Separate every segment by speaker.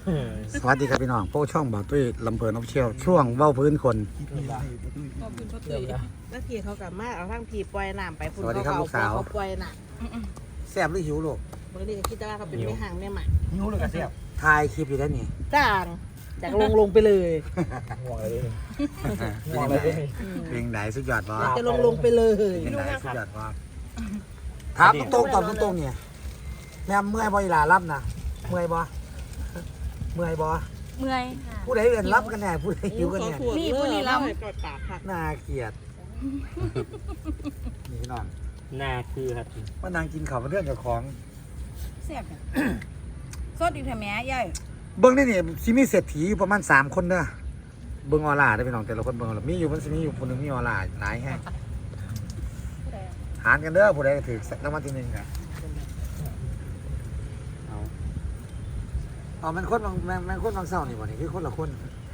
Speaker 1: สวัสดีครับพี่น้องโป้ช่องบ่าวตุ้ยลำเพลินออฟเชียลช่วงเว้าพื้นคน
Speaker 2: ขอบคุณพ่อตุ้ยแล้วพี่เขากลับมาเอาทั้งพี่ปล่อยน้ำไปพุ่น
Speaker 1: สวัสดีครับลูกสาว
Speaker 2: เขาปล่อยน้
Speaker 1: แซ่บหรือหิวลูก
Speaker 2: ำบางทีก็คิดว่าเขาเป็นแม่ห่างแม่หมา
Speaker 3: หิวเลยกระเสียบ
Speaker 1: ถ่ายคลิปอยู่แล้วนี่
Speaker 2: จ้างจากลงไปเลย
Speaker 3: ห่วงอะไรเลย
Speaker 1: เป็นยังไงเป็นยังไงสุดยอดบ่
Speaker 2: จะลงไปเลย
Speaker 1: เป็นยังไงสุดยอดบ่ถามตรงๆตอบตรงๆเนี่ยแม่เมื่อยบ่อีหลารับนะเมื่อยบ่เมื่อยบ่
Speaker 4: เมื่อยค่ะ
Speaker 1: ผู้ใดเอื่นรับกันแน่ผู้ใดหิวกันแน่
Speaker 4: นี่ผู้นี้รับ
Speaker 2: กอดปากค่ะ
Speaker 1: น่าเกลียดนี่พี่น้อง
Speaker 3: หน้าคือครับ
Speaker 1: มานางกินข้าวมาเรื่องกับของ
Speaker 4: เสียบเนี่ยสดอีกเถอะแม่ใหญ่
Speaker 1: เบิ้งได้นี่สิมีเศรษฐีอยู่ประมาณ3คนเด้อเบิ้งออร่าได้อพี่น้องแต่ละคนเบิ้งออร่ามีอยู่มันสิมีอยู่คนหนึงมีออร่าหลายแฮะหารกันเด้อผู้ใดถือรางวัลที่1ครับเอามันคนบางแม่งคนบางเศร้านี่บ่นี่คือคนละคน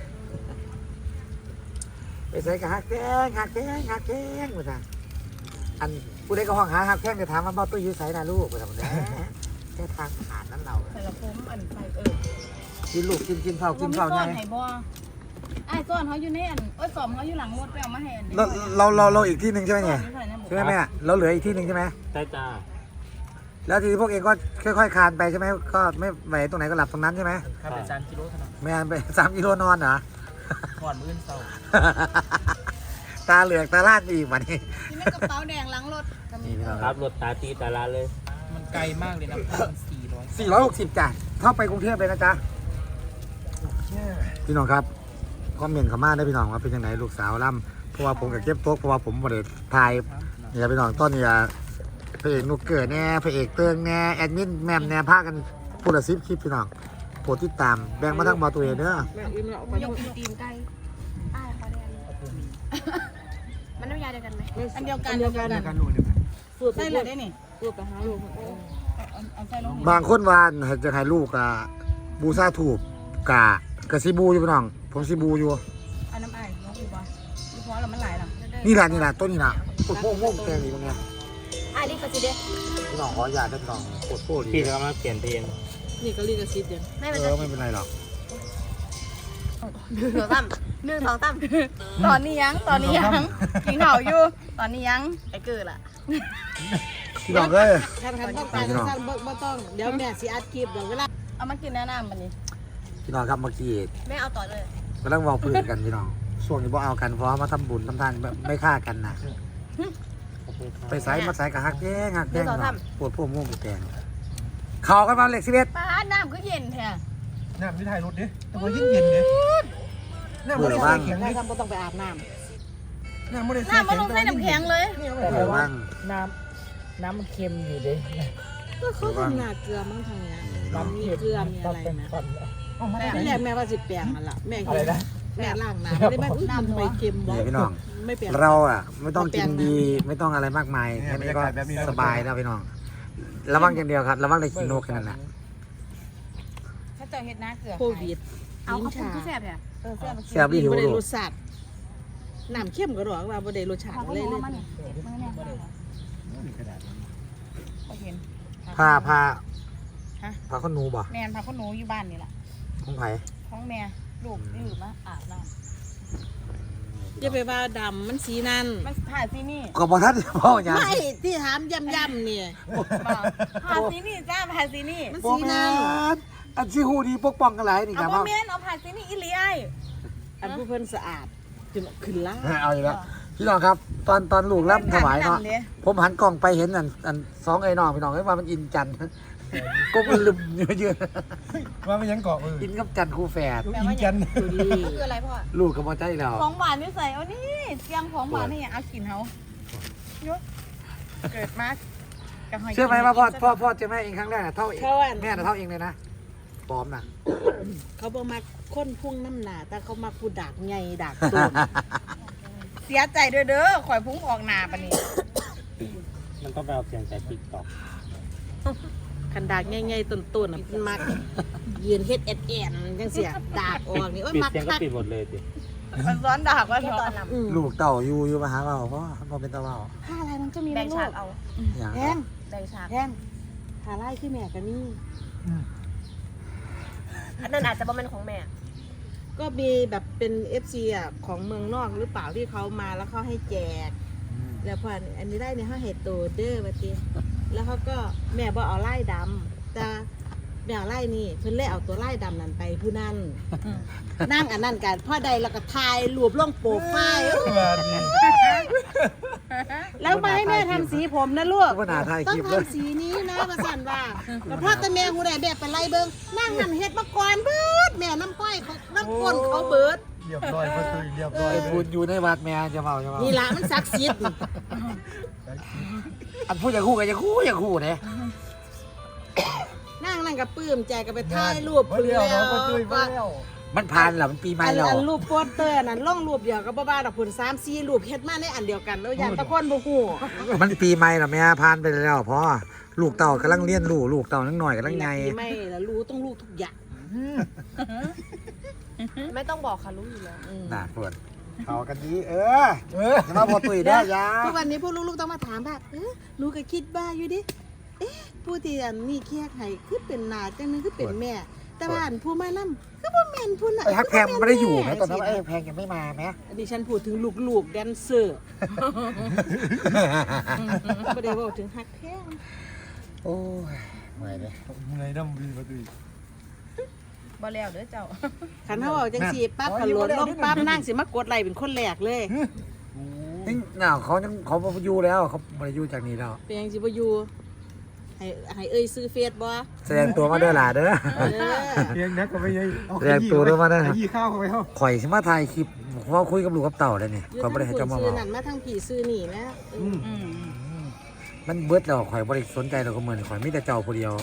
Speaker 1: ไปใส่กับฮักแข้งฮักแข้งฮักแข้งว่าซั่นอันผู้ใดก็ห้องหาฮักแข้งจะถามว่าบ่ตุ้ยอยู่ไสนะลูกว่าซั่นแหละแค่ทางผ่านนั้นเรา
Speaker 4: ใส่ละผมอันใส่
Speaker 1: กินลูกกินข้าวกินข้าว
Speaker 4: ก้
Speaker 1: ไง
Speaker 4: อนไห้บ่ไอ้ก้อนเขาอยู่ในอันสอมเขาอยู่หลังรถไปเอามาให้อัน
Speaker 1: เราอีกที่หนึ่งใช่ไหมเนี่ยใช่ไหมแม่เราเหลืออีกที่หนึ่งใช่ไหม
Speaker 3: ใช่จ้า
Speaker 1: แล้วทีนี้พวกเองก็ค่อยๆคลานไปใช่ไหมก็ไม่ไหวตรงไหนก็หลับตรงนั้นใช่ไหม
Speaker 3: ถ้าเป็น3 กิโลเท่านั้น
Speaker 1: แม่ไป3 กิโลนอนเหรอ
Speaker 3: ก่อนมื้อเช้า
Speaker 1: ตาเหลือกตาลาดอีกวันนี้
Speaker 4: ที่ในกระเป๋าแดงหลังรถ
Speaker 1: นี่พี่น้อง
Speaker 3: ค
Speaker 1: ค
Speaker 3: รั
Speaker 1: รั
Speaker 3: บบ รถตาตีตาลาเลย
Speaker 5: มันไกลมากเลยนะ400
Speaker 1: 460จ้ะเข้าไปกรุงเทพเลยนะจ๊ะพี่น้องครับคอมเมนต์เข้ามาได้พี่น้องว่าเป็นยังไงลูกสาวล่ำเพราะว่าผมกับเก็บโต๊ะเพราะว่าผมบริถ่ายเนี่ยพี่น้องต้นเนี่ยพระเอกนุกเกิดแน่พระเอกเติงแน่แอดมินแมมแน่พากันพูดละ10 คลิปพี่น้องโปรดติดตามแบ่งมาทั้งบอตัวเองเด้อ
Speaker 2: แม่อิ่มแล้วเอาไป
Speaker 4: ยกตีนไก่อ้ายพอแดงมันน้ำยาเดียวกันไหมอันเดียวกัน
Speaker 3: กันหนูเดียวกัน
Speaker 2: สูตร
Speaker 4: ใส่เลยได้นี่
Speaker 2: สูตรไปหาลูก
Speaker 4: เอาใส่ลง
Speaker 1: บางคนว่าจะให้ลูกบูซาถูกกะซีบูอยู่พี่น้องผมซีบูอยู่
Speaker 4: เอาน้ำอ้ายน้องอูบ่ลูกพอแล้วมันหลายหรอ
Speaker 1: นี่แหละต้นนี่นะปวดโป้งแกงอยู่ตรงเนี้ย
Speaker 4: อ้ายนี่ก็สิเด้
Speaker 1: พี่น้องขออย่าได้พี่น้องปวดโป้ดี
Speaker 3: พี่จะมาเปลี่ยนเพลง
Speaker 2: นี่ก็รีกระซิบเดียว
Speaker 4: ไม่เป็น
Speaker 1: ไม่เป็นไรหรอก
Speaker 4: ตอนนี้ยังกินข้าวอยู่ตอนนี้ยังไอ้เกิดล่ะ
Speaker 1: พี่น้องเอ้ย
Speaker 2: ท่านต้องการท่านบ่ต้องเดี๋ยวแม่สิอัดคลิปเดี๋ยวเวลา
Speaker 4: เอามากินแนะนำมันนี่
Speaker 1: พี่น้องครับเมื่อกี้
Speaker 4: แม่เอาต่อเลย
Speaker 1: กำลังวอลพื้นกันพี่น้องช่วงนี้บ่เอากันเพราะว่ามาทำบุญทำทานไม่ฆ่ากันนะไปใส่มาใส่กับฮักแย่งปวดโป้งแกงเขากันมาเหล็ก11
Speaker 4: ป้าน้ำก็เย็นแท้
Speaker 5: น้ำที่ถ่ายรถดิแต่ว่ายิ่งเย็นเลยน้ำมันได้ใส่แข็ง
Speaker 2: ได้
Speaker 5: ดิ
Speaker 2: ทำบ่ต้องไปอาบน้
Speaker 5: น้ำมันได้ใส่
Speaker 4: น้ำมันลงใส่น้ำแข็งเลย
Speaker 1: แต่ว่า
Speaker 5: น้ำมันเค็มอยู่ดิ
Speaker 2: ำก็เขาทำหน้าเกลือมั้งทางเนี้ยมีเกลือมีอะไรนะ นี่แหละแม่ว่าสิแปลงนั่นล่ะแม่เห็นแม่ล้างน้ำไม่ได้แม่น้ำทำไมเค็มวะ
Speaker 1: พี่น้อง
Speaker 2: ไม่เปลี่ยน
Speaker 1: เราไม่ต้องกินดีไม่ต้องอะไรมากมายแค่นี้ก็สบายแล้วพี่น้องระวังอย่างเดียวครับระวังได้กินโนกแค่นั้นแหละ
Speaker 4: ถ้าเจอเห็ดน้าเกลือ
Speaker 2: โควิด
Speaker 4: เอาเขาปรุงคือแซ่บเนี่ย
Speaker 1: แซ่บดีหิว
Speaker 2: บ่ได้
Speaker 1: ลู
Speaker 2: ร
Speaker 1: ก
Speaker 2: สชาติน้ำเข้มก็หรอกว่าบ่ได้รสชาติ
Speaker 4: เขา
Speaker 2: เลย
Speaker 4: บ
Speaker 2: เล
Speaker 4: อก
Speaker 2: ย
Speaker 4: มาเนี่ยเจ็บมือเนี่ยเขาเห็น
Speaker 1: ผ้า
Speaker 4: ฮะ
Speaker 1: ข้าวหนูบ่
Speaker 4: แมนพาเขาหนูอยู่บ้านนี่แหละ
Speaker 1: ของไผ่
Speaker 4: ท้องแม่ลูกยืมมาอาบน้
Speaker 2: อย่าไปว่าดำมันสีนั่น
Speaker 4: ำมันถ่ายซีนี่
Speaker 1: ก็บอกท่านพ่ออย่าง
Speaker 2: ไม่ที่ถามย่ำๆเนี่ย
Speaker 4: ถ่ายซีนี่จ้าถ่ายซีนี่
Speaker 2: มัน
Speaker 1: บอ
Speaker 2: สี
Speaker 1: กแม่
Speaker 2: นั่น
Speaker 1: อันที่หูดีปกป้องกันหลายนี่ค
Speaker 4: เอา
Speaker 1: รับ
Speaker 4: พ่อแม่เอาถ่ายซีนี่อีเลีย
Speaker 2: อันผู้เพิ่นสะอาดจนขึ้นล่า
Speaker 1: เอาอีกแล้วพี่น้องครับ ตอนลูกรับถวายเนาะผมหันกล้องไปเห็นอันสองไอ้น้องพี่น้องว่ามันอินจันทร์ก็มันลืมเยอะ
Speaker 5: ว่าไม่ยังเกาะมือ
Speaker 1: อินกับจันทร์คู่แฝด
Speaker 5: ลูกอินกัน
Speaker 2: ดูดี
Speaker 4: คืออะไรพ่อ
Speaker 1: ลูกกับมอใจแล้ว
Speaker 4: ของหวานนี่ใส่เอานี่เสียงของหวานนี่เอากินเขายกเกิดมา
Speaker 1: เชื่อไหมว่าพ่อเจอแม่เองครั้งแรกเท่าเองแม่เท่าเองเลยนะปลอมนะ
Speaker 2: เขาบ่มาค้นพุ่งน้ำหนาแต่เขามากูดากไงดากตูน
Speaker 4: เสียใจเด้อข่อยพุ่งออกหนาปะนี่
Speaker 3: มันต้องไปเอาเสียงจากติ๊กต็อก
Speaker 2: คันดากไงๆต้นๆน่ะมันมักยืนเฮ็ดแอดจังเสียดากออกนี่โอ้ย
Speaker 3: ปิด
Speaker 2: มัก
Speaker 3: เสียงก็
Speaker 2: คัก
Speaker 3: ปิดหมดเลยสิ
Speaker 4: มันซ้อนดากว่าเถอะ
Speaker 2: อืม
Speaker 1: ลูกเต่าอยู่มาหาเราเพราะพ่อเป็นเต่าเรา
Speaker 2: ผ้าอะไรมันก็มี
Speaker 4: แบ่ง
Speaker 2: ลู
Speaker 4: ฉาก
Speaker 2: ก
Speaker 4: เอา
Speaker 1: อย่าง
Speaker 2: แพง
Speaker 4: แบ่งฉาก
Speaker 2: แพงหาไล่ขึ้นแม่กันนี่
Speaker 4: อันนั้นอาจจะบ่เป็นของแม่
Speaker 2: ก็มีแบบเป็น FC อ่ะของเมืองนอกหรือเปล่าที่เขามาแล้วเขาให้แจกแล้วพออันนี้ได้เนี่ยเขาเห็ดโตเด้อมาทีแล้วเขาก็แม่บอกเอาไล่ดำแต่แม่เอาไล่นี่เพิ่นเลยเอาตัวไล่ดำนั่นไปผู้นั่นนั่งอันนั้นกันพ่อใดแล้วก็ทายรวบลงโปรไฟล์แล้วมาให้แม่ทำสีผมนะลูก
Speaker 1: ก็น่าถ่าย
Speaker 2: ต้
Speaker 1: ค
Speaker 2: อง
Speaker 1: ลิปเลย
Speaker 2: ทำสีนี้นะประสันว่าแล้วพ่อตาแม่หูใดแบบไปไล่เบิ้งนั่งนั่นเฮ็ดมาก่อนเบิดแม่น้ำก้อยเขาน้ำก้นเขาเบิด
Speaker 5: เรียบร้อยพอตุยเรียบร้อย
Speaker 1: ไอ้พูดอยู่ในวัดแม่จะเมา
Speaker 2: นี่ละมันศักดิ์สิทธิ์
Speaker 1: อันพูดอย่างคู่กันอย่างคู่เนี่ย
Speaker 2: นั่งนั่งกับปื้มใจกับไปถ่ายรูป
Speaker 5: เรียบร้อยพอตุยไปแล้ว
Speaker 1: มันผ่านเหรอมันปีใหม่แล้ว
Speaker 2: อันรูปโปสเตอร์นั่นล่องรูปเดียวกับบ้าๆดอกผล3-4รูปเฮ็ดมาในอันเดียวกันแล้วยันตะคนบ่ฮู้
Speaker 1: มันปีใหม่เหรอแม่ผ่านไปแล้วพ่อลูกเต่ากำลังเลี้ยนลูกเต่านั่งหน่อยกำลังไง
Speaker 2: ไม่ละรู้ต้องรู้ทุกอย่าง
Speaker 4: ไม่ต้องบอกค่ะรู้อยู่แล้ว
Speaker 1: น่าปวดเขากันดีจะมาพอตุยได้ยา
Speaker 2: ทุกวันนี้พวกลูกๆต้องมาถามว่าหนูก็คิดบ้าอยู่ดิผู้ที่อันนี้เคียกให้คือเป็นหนาจังนึงคือเป็นแม่ แต่ว่าอันผู้มานำคือบ่แม่นผู้น่ะ
Speaker 1: ไอ้ฮักแพงมันไม่ได้อยู่ไหมตอนนั้นไอ้แพงยังไม่มาไหม
Speaker 2: ดิฉันพูดถึงลูกๆแดนเซอร์บ่ได้บอกถึงฮักแพง
Speaker 1: โอ้ยไม่เลย
Speaker 5: มึงไงน้ำบีพอตุย
Speaker 4: บ่แล้วเด้อเจ้า
Speaker 2: คันเฮาเอาจังซี่ปั๊บขันโหลดลงปั๊บนั่งสิมากดไลค์เป็นคนแรกเลย
Speaker 1: นี่น่าเขาอยู่แล้วเขาไม่ได้อยู่จากนี้แล้ว
Speaker 2: เป็นยังสิบ่อยู่ให้เอ้ยซื้อเฟซบ่
Speaker 1: แสดงตัวมาเด้อหล่ะเด้อ
Speaker 5: เพียงนักก็ไม่ยัย
Speaker 1: เรียกตัวด้วยมาได้
Speaker 5: ยี่ข้าวเข้าไปเข้า
Speaker 1: ข่อยสิมาถ่ายคลิปเพราะคุยกับลูกกับเต่าเลยนี่ข่อยบ่ได้ให้เจ้ามา
Speaker 2: ซื้
Speaker 1: บ
Speaker 2: อ
Speaker 1: อก
Speaker 2: นั่นมาทางผีซื้อนี่นะ
Speaker 1: มันเบิดแล้วข่อยบ่ได้สนใจเราก็เหมือนข่อยมีแต่เจ้าผู้เดียว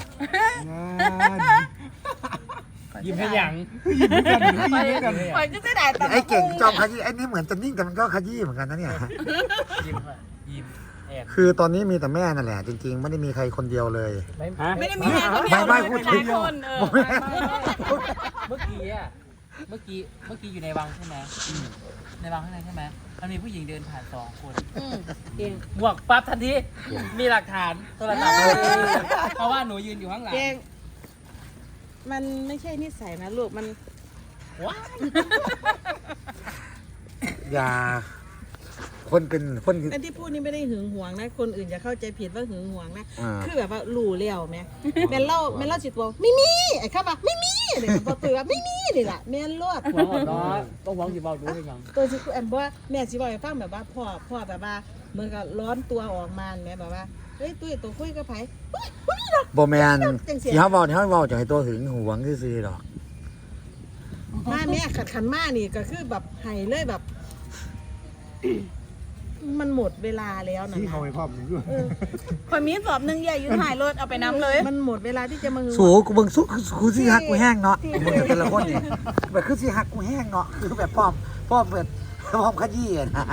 Speaker 3: ยิ้มให้หยัง
Speaker 4: คอยจะได้แต่
Speaker 1: ไอ้เก่งจอมขยี้ไอ้นี่เหมือนจะนิ่งแต่มันก็ขยี้เหมือนกันนะเนี่ย
Speaker 3: ยิ้มค่ะยิ้มแอบ
Speaker 1: คือตอนนี้มีแต่แม่นั่นแหละจริงๆไม่ได้มีใครคนเดียวเลย
Speaker 3: ฮะ
Speaker 4: ไม่ได้มีแค่คนเดียว
Speaker 1: ไม่พูดถึง
Speaker 4: หลายคน
Speaker 6: เมื่อกี้อยู่ในวังใช่ไหมในวังข้างในใช่ไหมมันมีผู้หญิงเดินผ่าน2 คน
Speaker 2: เก่ง
Speaker 6: บวกปั๊บทันทีมีหลักฐานโทรศัพท์เพราะว่าหนูยืนอยู่ข้างหลัง
Speaker 2: เก่งมันไม่ใช่นิสัยนะลูกมัน
Speaker 1: อย่าคนเป็นคน
Speaker 2: อันที่พูดนี่ไม่ได้หึงหวงนะคนอื่นจะเข้าใจผิดว่าหึงหวงนะ
Speaker 1: อ่า
Speaker 2: คือแบบว่ารู้แล้วแม่แม่นเล่าสิตัวไม่มีไอ้ข้าบอกไม่มีเนี่ยพอตื่นว่าไม่มีนี่แหละแม่นรอด
Speaker 6: หวังหอดน้อยต้องหวังสิบอกรู้ให้ฟัง
Speaker 2: ตัวสิแอมบอกว่าแม่สิบอกให้ฟังแบบว่าพ่อแบบว่าเหมือนกับร้อนตัวออกมาแม่แบบว่าเฮ้ยตุ้ยตัวคุยกับไผเฮ้ยบ่มีหรอก
Speaker 1: บ่แม่นที่เขาบอกจะให้ตัวหึงหวงซื่อๆหรอก
Speaker 2: มาแม่ขันมานี่ก็คือแบบให้เลยแบบ มันหมดเวลาแล้วนะ
Speaker 5: ที่เขาไปพร้อมอยู่
Speaker 4: คอยมีสอบนึงใหญ่อยู่ถ่ายรถเอาไปน้ำเลย
Speaker 2: มันหมดเวลาที่จะมาหึง
Speaker 1: สูกูเบิ่งสุกูสิฮักกูแห้งเนาะมึงแต่ละคนนี่แบบคือสิฮักกูแห้งเนาะคือแบบพร้อมเปิดพร้อมขยี้อะนะ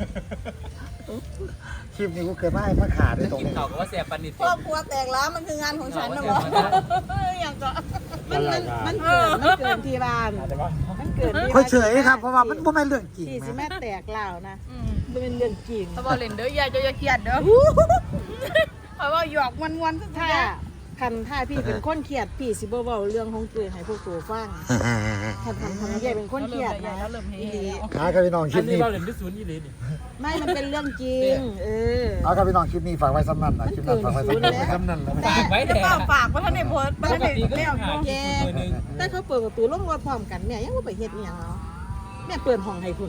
Speaker 1: คลิปนี้กูเคยมาให้มาขาด้วยตรง
Speaker 6: กิน
Speaker 1: นี้
Speaker 6: เขาก็ว่าเสียปันนิด
Speaker 4: ครอบครัวแตกแล้วมันคืองานของฉันนะบออย่างก็
Speaker 2: มันเกินที่บ้านมันเกินที่
Speaker 1: ค่อยเฉยครับเพราะว่ามันบ่แม่นเรื่องจริง
Speaker 2: ที่สิ
Speaker 1: แม่
Speaker 2: แม่แตกเล่านะมันเป็นเรื่องจริง
Speaker 4: ตะบอลเล่นเด้ออย่าเครียดเด้อเพราะว่าหยอกวันสุดท้าย
Speaker 2: ถ้าพี่เป็นคนเครียดพี่สิบ่เว้าเรื่องของตัวให้พวกตัวฟังคันใหญ่เป็นคนเครียดนะ อีหลี
Speaker 1: ครับพี่น้องคลิ
Speaker 6: อั
Speaker 1: ป
Speaker 6: นนี้
Speaker 1: นี้
Speaker 6: เราเล่นด้วยศูนย์ยี่เลยนี่
Speaker 2: ไม่มันเป็นเรื่องจริง
Speaker 1: เอาครับพี่น้องคลิปนี้ฝากไว้สำนันนะคลิปนั้นฝากไว้สำนัน
Speaker 5: จำนั่นแล้ว
Speaker 6: ฝากไว้แต่
Speaker 4: ฝากว่าท่านในโพสต์
Speaker 6: ป
Speaker 4: ท่าน
Speaker 6: ก
Speaker 4: ใน
Speaker 6: ติก็
Speaker 4: เลี้
Speaker 6: ยั
Speaker 4: ย
Speaker 6: ง
Speaker 4: ง
Speaker 6: หาคลิปตัวนึง
Speaker 2: แต่เขาเปิดประตูลงรถพร้อมกันแม่ยังบ่ไปเฮ็ดอีหยังเนาะแม่เปิดห้องให้คุณ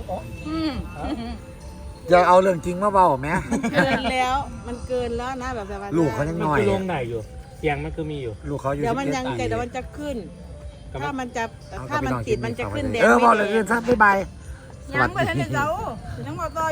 Speaker 1: อย่าเอาเรื่องจริงมาเบาแม่
Speaker 2: เกินแล้วมันเกินแล้วนะแบบว่า
Speaker 1: ลูกเขายัง
Speaker 3: มัน
Speaker 1: น้อย
Speaker 3: คือลงไหนอยู่เสียงมันคือมีอยู่
Speaker 1: ลูกเขาอยู่
Speaker 2: เดี๋ยวมัน
Speaker 1: 11
Speaker 2: ยัง
Speaker 1: ปี
Speaker 2: เดี๋ยวมันจะขึ้น ถ้ามันจะ
Speaker 1: เอา
Speaker 2: ถ้ามัน
Speaker 1: ครับ
Speaker 2: ติด
Speaker 1: พี่น้อง
Speaker 2: มันจะขึ้นแดง
Speaker 1: เออ
Speaker 2: ไม่
Speaker 1: บอก
Speaker 2: แด
Speaker 1: เลย
Speaker 2: ง
Speaker 1: ซะบ๊ายบาย
Speaker 4: ยังไม่ทันได้เจ้ายังบอกต่อ